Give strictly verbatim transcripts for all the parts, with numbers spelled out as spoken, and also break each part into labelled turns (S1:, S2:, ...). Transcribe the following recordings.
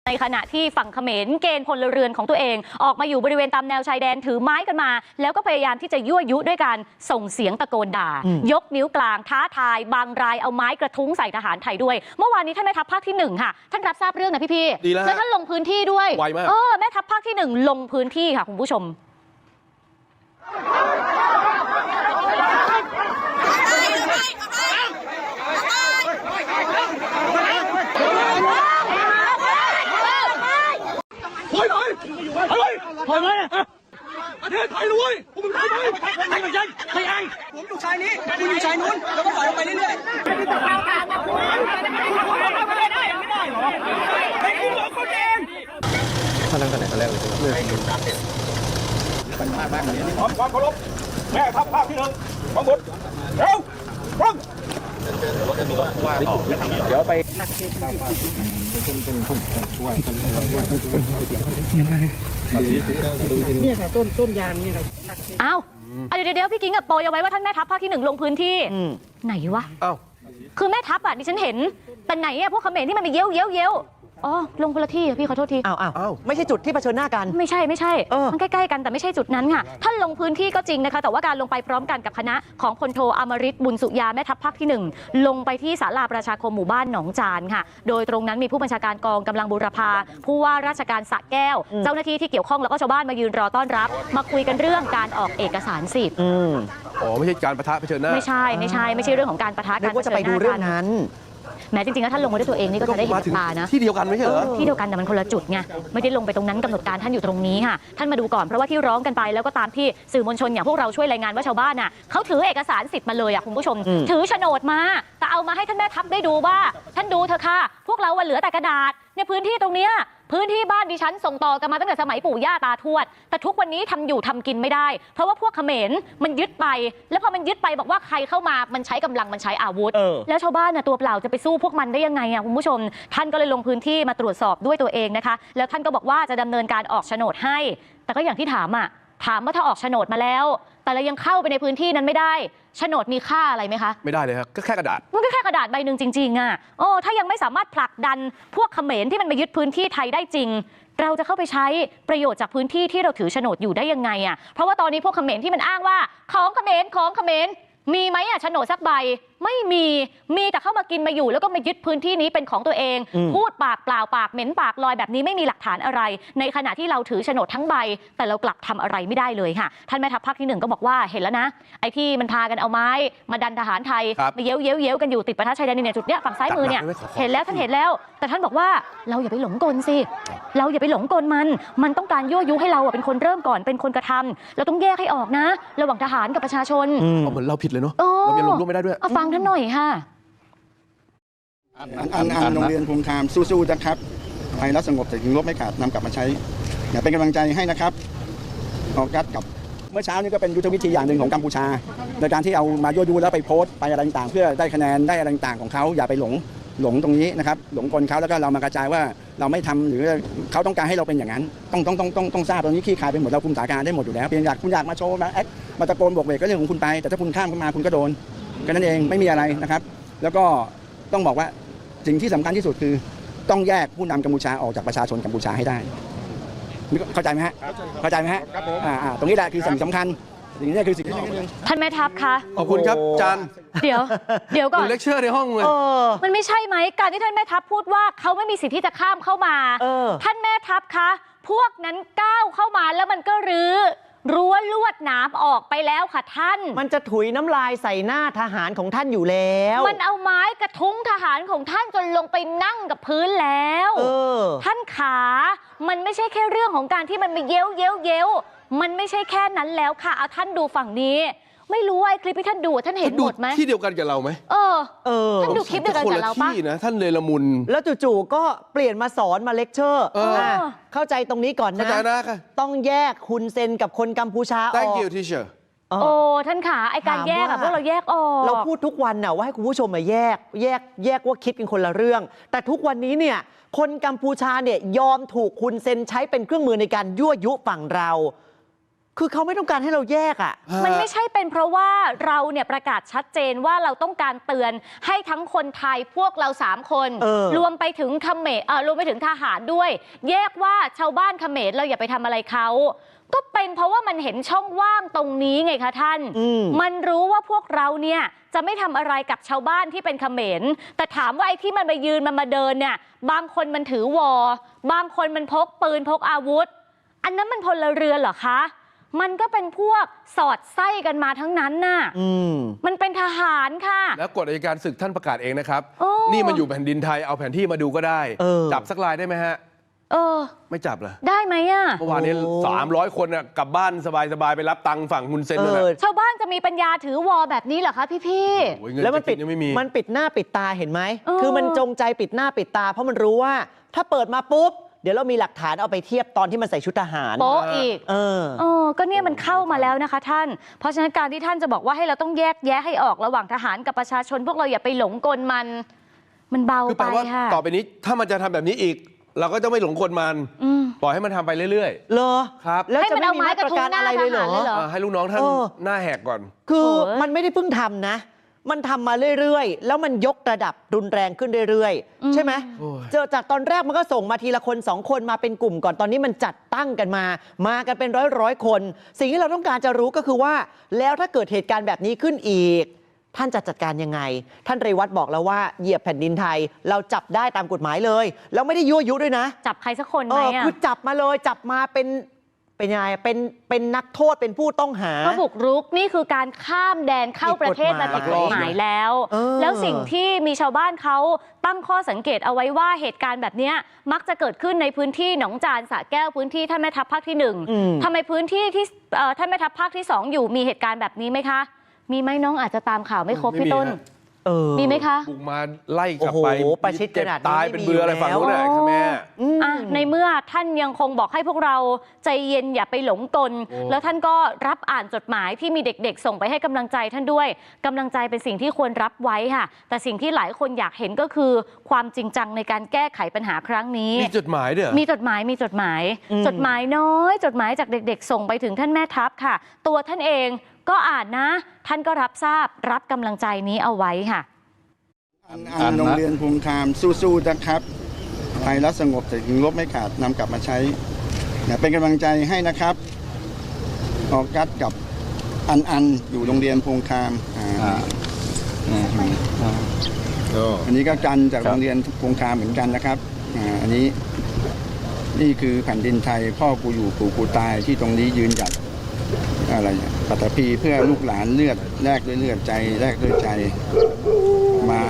S1: ในขณะที่ฝั่งเขมรเกณฑ์พลเรือนของตัวเองออกมาอยู่บริเวณตามแนวชายแดนถือไม้กันมาแล้วก็พยายามที่จะยั่วยุด้วยการส่งเสียงตะโกนด่ายกนิ้วกลางท้าทายบางรายเอาไม้กระทุ้งใส่ทหารไทยด้วยเมื่อวานนี้ท่านแม่ทัพภาคที่หนึ่งค่ะท่านรับทราบเรื่องนะพี่ๆแล้วท่านลงพื้นที่ด้วยไวมากเออแม่ทัพภาคที่หนึ่งลงพื้นที่ค่ะคุณผู้ชม
S2: ถอยหน่อยถอยถอยเลยประเทศไทยด้วยผมเป็นไทยไหมไทยไม่ใช่ไทยเองผมอยู่ชายนี้คุณอยู่ชายนู้นแล้วก็ถอยออกไปเรื่อยๆไม่ได้ไม่ได้หรอไอ้คุณบอกคนเองท่านนั่งกันไหนกันแล้วเลยเป็นภาคบ้านนี้ขอความเคารพแม่ทัพภาคที่หนึ่งของบุตรเร็วพร้อมเดี๋ยวไป
S3: เนี่ยค่ะต้นต้นยางเนี่ยค่ะ
S1: อ้าวเดี๋ยวเดี๋ยวพี่กิ๊งกับโปรยเอาไว้ว่าท่านแม่ทัพภาคที่หนึ่งลงพื้นที่ไหนวะอ้าวคือแม่ทัพอ่ะดิฉันเห็นแต่ไหนอ่ะพวกเขมรที่มันไปเย้ยวเย้ยวเย้ยวอ๋อลงคนละที่พี่ขอโทษที
S4: อ้าวอ้าวไม่ใช่จุดที่เผชิญหน้ากัน
S1: ไม่ใช่ไม่ใช่มันใกล้ๆกันแต่ไม่ใช่จุดนั้นค่ะท่านลงพื้นที่ก็จริงนะคะแต่ว่าการลงไปพร้อมกันกับคณะของพลโทอมฤตบุญสุยาแม่ทัพภาคที่หนึ่งลงไปที่ศาลาประชาคมหมู่บ้านหนองจานค่ะโดยตรงนั้นมีผู้บัญชาการกองกำลังบูรพาผู้ว่าราชการสระแก้วเจ้าหน้าที่ที่เกี่ยวข้องแล้วก็ชาวบ้านมายืนรอต้อนรับมาคุยกันเรื่องการออกเอกสารสิทธิ์
S2: อ๋อไม่ใช่การปะทะเผชิญหน้า
S1: ไม่ใช่ไม่ใช่ไม่ใช่เรื่องของการปะทะกัน
S4: ว่าจะไปดูเรื่องนั้น
S1: แม้จริงๆแล้วท่านลงมาด้วยตัวเองนี่ก็จะได้เห็นตานะ
S2: ที่เดียวกันไม่ใช่เหรอ
S1: ที่เดียวกันแต่มันคนละจุดไงไม่ได้ลงไปตรงนั้นกำหนดการท่านอยู่ตรงนี้ค่ะท่านมาดูก่อนเพราะว่าที่ร้องกันไปแล้วก็ตามที่สื่อมวลชนอย่างพวกเราช่วยรายงานว่าชาวบ้านน่ะเขาถือเอกสารสิทธิ์มาเลยอ่ะคุณผู้ชมถือโฉนดมาแต่เอามาให้ท่านแม่ทัพได้ดูว่าท่านดูเถอะค่ะพวกเราเหลือแต่กระดาษเนี่ยพื้นที่ตรงเนี้ยพื้นที่บ้านดิฉันส่งต่อกันมาตั้งแต่สมัยปู่ย่าตาทวดแต่ทุกวันนี้ทำอยู่ทำกินไม่ได้เพราะว่าพวกเขมรมันยึดไปแล้วพอมันยึดไปบอกว่าใครเข้ามามันใช้กำลังมันใช้อาวุธแล้วชาวบ้านน่ะตัวเปล่าจะไปสู้พวกมันได้ยังไงอ่ะคุณผู้ชมท่านก็เลยลงพื้นที่มาตรวจสอบด้วยตัวเองนะคะแล้วท่านก็บอกว่าจะดำเนินการออกโฉนดให้แต่ก็อย่างที่ถามอ่ะถามว่าถ้าออกโฉนดมาแล้วแต่เรายังเข้าไปในพื้นที่นั้นไม่ได้โฉนดมีค่าอะไรไหมคะ
S2: ไม่ได้เลยครับก็แค่กระดาษ
S1: มันก็แค่กระดาษใบหนึ่งจริงๆอ่ะโอ้ถ้ายังไม่สามารถผลักดันพวกเขมรที่มันมายึดพื้นที่ไทยได้จริงเราจะเข้าไปใช้ประโยชน์จากพื้นที่ที่เราถือโฉนดอยู่ได้ยังไงอ่ะเพราะว่าตอนนี้พวกเขมรที่มันอ้างว่าของเขมรของเขมรมีไหมอ่ะโฉนดสักใบไม่มีมีแต่เข้ามากินมาอยู่แล้วก็มายึดพื้นที่นี้เป็นของตัวเองพูดปากเปล่าปากเหม็นปากลอยแบบนี้ไม่มีหลักฐานอะไรในขณะที่เราถือโฉนดทั้งใบแต่เรากลับทำอะไรไม่ได้เลยค่ะท่านแม่ทัพภาคที่หนึ่งก็บอกว่าเห็นแล้วนะไอ้ที่มันพากันเอาไม้มาดันทหารไทยมาเย้ยวเย้ยวเย้ยวกันอยู่ติดประทัดชายแดนในจุดเนี้ยฝั่งซ้ายมือเนี่ยเห็นแล้วท่านเห็นแล้วแต่ท่านบอกว่าเราอย่าไปหลงกลสิเราอย่าไปหลงกลมันมันต้องการยั่วยุให้เราเป็นคนเริ่มก่อนเป็นคนกระทำเราต้องแยกให้ออกนะระหว่างทหารกับประชาชน
S2: เหมือนเราผิดเลยเนาะเรายังลงร่วมไม่ได้ด้วย
S1: ฟังท่านหน่อยค่ะ
S5: อันอันโรงเรียนภูมิธรรมสู้ๆนะครับไทยรัฐสงบแต่ถึงลบไม่ขาดนำกลับมาใช้อย่าเป็นกำลังใจให้นะครับออกกัดกับเมื่อเช้านี้ก็เป็นยุทธวิธีอย่างหนึ่งของกัมพูชาในการที่เอามายั่วยุแล้วไปโพสต์ไปอะไรต่างๆเพื่อได้คะแนนได้อะไรต่างๆของเขาอย่าไปหลงหลงตรงนี้นะครับหลงกลเขาแล้วก็เรามากระจายว่าเราไม่ทำหรือเขาต้องการให้เราเป็นอย่างนั้นต้องต้องต้องต้องต้องทราบตรงนี้ขี้คายไปหมดเราคุมสถานการณ์ได้หมดอยู่แล้วเพียงอยากคุณอยากมาโชว์มาแอคมาตะโกนบวกเวกก็เรื่องของคุณไปแต่ถ้าคุณข้ามเข้ามาคุณก็โดนแค่นั้นเองไม่มีอะไรนะครับแล้วก็ต้องบอกว่าสิ่งที่สำคัญที่สุดคือต้องแยกผู้นำกัมพูชาออกจากประชาชนกัมพูชาให้ได้เข้าใจไหมฮะเข้าใจไหมฮะอ่าตรงนี้แหละคือสิ่งสำคัญสิ่งนี้คือสิ่งที่
S1: ท่านแม่ทัพคะ
S2: ขอบคุณครับจัน
S1: เดี๋ยวเดี๋ยวก่อน
S2: เลคเชอร์ในห้องเลย
S1: มันไม่ใช่ไหมการที่ท่านแม่ทัพพูดว่าเขาไม่มีสิทธิ์ที่จะข้ามเข้ามาท่านแม่ทัพคะพวกนั้นก้าวเข้ามาแล้วมันก็รื้อรั้วลวดหนามออกไปแล้วค่ะท่าน
S4: มันจะถุยน้ำลายใส่หน้าทหารของท่านอยู่แล้ว
S1: มันเอาไม้กระทุ้งทหารของท่านจนลงไปนั่งกับพื้นแล้วท่านขามันไม่ใช่แค่เรื่องของการที่มันมาเย้ยวเย้ยวเย้ยวมันไม่ใช่แค่นั้นแล้วค่ะเอาท่านดูฝั่งนี้ไม่รู้ว่าไอ้คลิปที่ท่านดูท่านเห็นหมดไหม
S2: ที่เดียวกันกับเราไหม
S1: เออเออท่านดูคลิปเดียวกันกับเราปะ
S2: นะท่านเลยละมุน
S4: แล้วจู่ๆก็เปลี่ยนมาสอนมาเลคเชอร์เข้าใจตรงนี้ก่อนนะต้องแยกคุณเซนกับคนกัมพูชาออก
S2: Thank you teacher
S1: โอ้ท่านขาไอการแยกอะพวกเราแยกออก
S4: เราพูดทุกวันน่ะว่าให้คุณผู้ชมมาแยกแยกแยกว่าคิดกันคนละเรื่องแต่ทุกวันนี้เนี่ยคนกัมพูชาเนี่ยยอมถูกคุณเซนใช้เป็นเครื่องมือในการยั่วยุฝั่งเราคือเขาไม่ต้องการให้เราแยกอ่ะ
S1: มันไม่ใช่เป็นเพราะว่าเราเนี่ยประกาศชัดเจนว่าเราต้องการเตือนให้ทั้งคนไทยพวกเราสามคน
S4: เออ
S1: รวมไปถึงเขมรเอ่อรวมไปถึงทหารด้วย แยกว่าชาวบ้านเขมรเราอย่าไปทำอะไรเขาก็เป็นเพราะว่ามันเห็นช่องว่างตรงนี้ไงคะท่าน
S4: อืม
S1: มันรู้ว่าพวกเราเนี่ยจะไม่ทำอะไรกับชาวบ้านที่เป็นเขมรแต่ถามว่าไอ้ที่มันมายืนมันมาเดินเนี่ยบางคนมันถือวอบางคนมันพกปืนพกอาวุธ อันนั้นมันพลเรือนเหรอคะมันก็เป็นพวกสอดไส้กันมาทั้งนั้นน่ะ
S4: อืม
S1: มันเป็นทหารค่ะ
S6: แล้วกฎอัยการศึกท่านประกาศเองนะครับ
S1: โอ้
S6: นี่มันอยู่แผ่นดินไทยเอาแผนที่มาดูก็ได้
S4: เออ
S6: จับสักรายได้ไหมฮะ
S1: เออ
S6: ไม่จับเหรอ
S1: ได้ไหมอ่ะ
S6: เมื่อวานนี้
S4: โอ้
S6: สามร้อยคนน่ะกลับบ้านสบายๆไปรับตังค์ฝั่งคุณเซน
S4: เอ
S6: นั่นแหละ
S4: อ
S1: ชาวบ้านจะมีปัญญาถือวอแบบนี้เหรอคะพี่พี่
S6: โอ้ยเงิน
S4: แล้วมัน
S6: จะ
S4: ปิ
S6: กิ
S4: ด
S6: นยังไม่มี
S4: มันปิดหน้าปิดตาเห็นไหม
S1: เออ
S4: คือมันจงใจปิดหน้าปิดตา เพราะมันรู้ว่า ถ้าเปิดมาปุ๊บ เดี๋ยวเรามีหลักฐานเอาไปเทียบตอนที่มันใส่ชุดทหาร
S1: โป๊ะอีก
S4: เออ
S1: เออก็เนี่ยมันเข้ามาแล้วนะคะท่าน เพราะฉะนั้นการที่ท่านจะบอกว่าให้เราต้องแยกแยะให้ออกระหว่างทหารกับประชาชน พวกเราอย่าไปหลงกลมัน มันเบา
S6: คือ
S1: ไป
S6: แปลว่า
S1: ค่ะ
S6: ต่อไปนี้ถ้ามันจะทำแบบนี้อีก เราก็จะไม่หลงกลมัน
S1: อืม
S6: ปล่อยให้มันทำไปเรื่อย
S4: เหรอ
S6: ครับ
S4: แล้ว
S1: ให้
S4: จะ
S1: มัน
S4: ไม่
S1: เอา
S4: มี
S1: ไม้
S4: มาตรการ
S1: กระทุ้งหน้า
S4: อะไรเลยเหรอ
S1: ทหารเลยเหรอ
S6: ๆอ่าให้ลูกน้องท่าน
S4: เออ
S6: หน้าแหกก่อน
S4: คือ
S1: โอ้ย
S4: มันไม่ได้เพิ่งทำนะ มันทำมาเรื่อยๆ แล้วมันยกระดับรุนแรงขึ้นเรื่อย
S1: อืม
S4: ๆ ใช่ไหม
S6: โอ้ย
S4: เจอจากตอนแรกมันก็ส่งมาทีละคนสองคนมาเป็นกลุ่มก่อน ตอนนี้มันจัดตั้งกันมา มากันเป็นร้อยร้อยๆคน สิ่งที่เราต้องการจะรู้ก็คือว่า แล้วถ้าเกิดเหตุการณ์แบบนี้ขึ้นอีก ท่านจะจัดการยังไง ท่านเรวัตบอกแล้วว่าเหยียบแผ่นดินไทย เราจับได้ตามกฎหมายเลย แล้วไม่ได้ยั่วยุด้วยนะ
S1: จับใครสักคน
S4: เอ
S1: ไหม
S4: อ
S1: อ่ะ
S4: คือจับมาเลย จับมาเป็น เป็นยังไง เป็น เป็นนักโทษ เป็นผู้ต้องหา
S1: ก็บุกรุกนี่คือการข้ามแดนเข้าประเทศมาผิดกฎหมายแล้ว
S4: เออ
S1: แล้วสิ่งที่มีชาวบ้านเขาตั้งข้อสังเกตเอาไว้ว่าเหตุการณ์แบบเนี้ยมักจะเกิดขึ้นในพื้นที่หนองจานสระแก้วพื้นที่ท่านแม่ทัพภาคที่หนึ่ง
S4: อืม
S1: ทำไมพื้นที่ที่เอ่อท่านแม่ทัพภาคที่สองอยู่มีเหตุการณ์แบบนี้ไหมคะ มีไหมน้องอาจจะตามข่าวไม่ครบ
S6: ไม่
S1: พี่
S6: มี
S1: ต้น
S6: ฮะ
S4: เออ
S1: มีไหมคะ
S6: บุกมาไล่กลับ
S4: โอ้โห
S6: ไป
S4: ประชิด
S6: เจ็บ
S4: ขนาดนี้
S6: ตาย
S4: ไม่
S6: เป็น
S4: มี
S6: เบืออะไร
S4: อยู่
S6: ฝั่งนู้น
S1: แล้ว
S6: น่ะใช่ไหม
S4: อืม
S1: อ่ะในเมื่อท่านยังคงบอกให้พวกเราใจเย็นอย่าไปหลงกล
S6: โอ้
S1: แล้วท่านก็รับอ่านจดหมายที่มีเด็กๆ ส่งไปให้กำลังใจท่านด้วยกำลังใจเป็นสิ่งที่ควรรับไว้ค่ะ แต่สิ่งที่หลายคนอยากเห็นก็คือความจริงจังในการแก้ไขปัญหาครั้งนี้
S6: มีจดหมายเด้อ
S1: มีจดหมายมีจดหมาย
S4: อืม
S1: จดหมายน้อย จดหมายจากเด็กๆ ส่งไปถึงท่านแม่ทัพค่ะ ตัวท่านเองก็อ่านนะ ท่านก็รับทราบรับกำลังใจนี้เอาไว้ค่ะ
S5: อันอันโรงเรียนภูมิธรรมสู้ๆนะครับไทยรัฐสงบแต่ถึงลบไม่ขาดนำกลับมาใช้เนี่ยเป็นกำลังใจให้นะครับออกัสกับอันอันอยู่โรงเรียนภูมิธรรมอ่าอันนี้ก็กันจากโรงเรียนภูมิธรรมเหมือนกันนะครับอ่าอันนี้นี่คือแผ่นดินไทยพ่อกูอยู่ปู่กูตายที่ตรงนี้ยืนหยัดอะไรเนี่ยปัตตภีเพื่อลูกหลานเลือดแลกด้วยเลือดใจแลกด้วยใจมา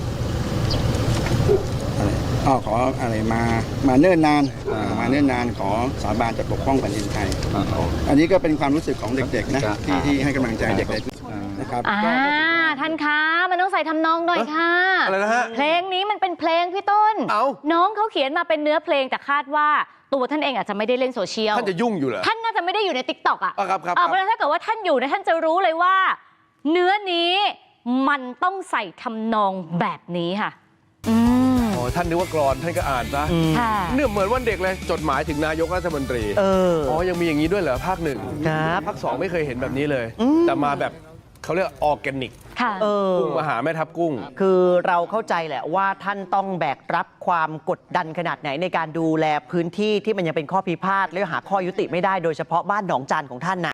S5: อะไรอ้อขออะไรมามาเนิ่นนานอ่ามาเนิ่นนานขอสาบานจะปกป้องแผ่นดินไทย อันนี้ก็เป็นความรู้สึกของเด็กๆนะที่ที่ให้กำลังใจเด็กๆนะครับ
S1: อ่าท่านคะมันต้องใส่ทำนองหน่อยค่ะ
S6: อะไรนะฮะ
S1: เพลงนี้มันเป็นเพลงพี่ต้น
S6: เอ้า
S1: น้องเขาเขียนมาเป็นเนื้อเพลงแต่คาดว่าตัวท่านเองอาจจะไม่ได้เล่นโซเชียล
S6: ท่านจะยุ่งอยู่เหรอ
S1: ท่านน่าจะไม่ได้อยู่ในติ๊กต็อกอ่ะ
S6: อ่ะครับครับ
S1: อ่ะเพราะฉะนั้นถ้าเกิดว่าท่านอยู่เนี่ยท่านจะรู้เลยว่า เนื้อนี้มันต้องใส่ทำนองแบบนี้ค่ะ อืม
S6: อ๋อท่านนึกว่ากรอนท่านก็อ่านซะ
S1: ค่ะ
S6: เนี่ยเหมือนวันเด็กเลยจดหมายถึงนายกรัฐมนตรี
S4: เออ
S6: อ๋อยังมีอย่างนี้ด้วยเหรอภาคหนึ่ง
S4: ครับ
S6: ภาคสองไม่เคยเห็นแบบนี้เลย
S4: อืม
S6: แต่มาแบบเขาเรียกออร์แกนิก
S1: ค่ะ
S4: เออ
S6: กุ้งมาหาแม่ทับกุ้ง
S4: คือเราเข้าใจแหละว่าท่านต้องแบกรับความกดดันขนาดไหนในการดูแลพื้นที่ที่มันยังเป็นข้อพิพาทและหาข้อยุติไม่ได้โดยเฉพาะบ้านหนองจานของท่านนะ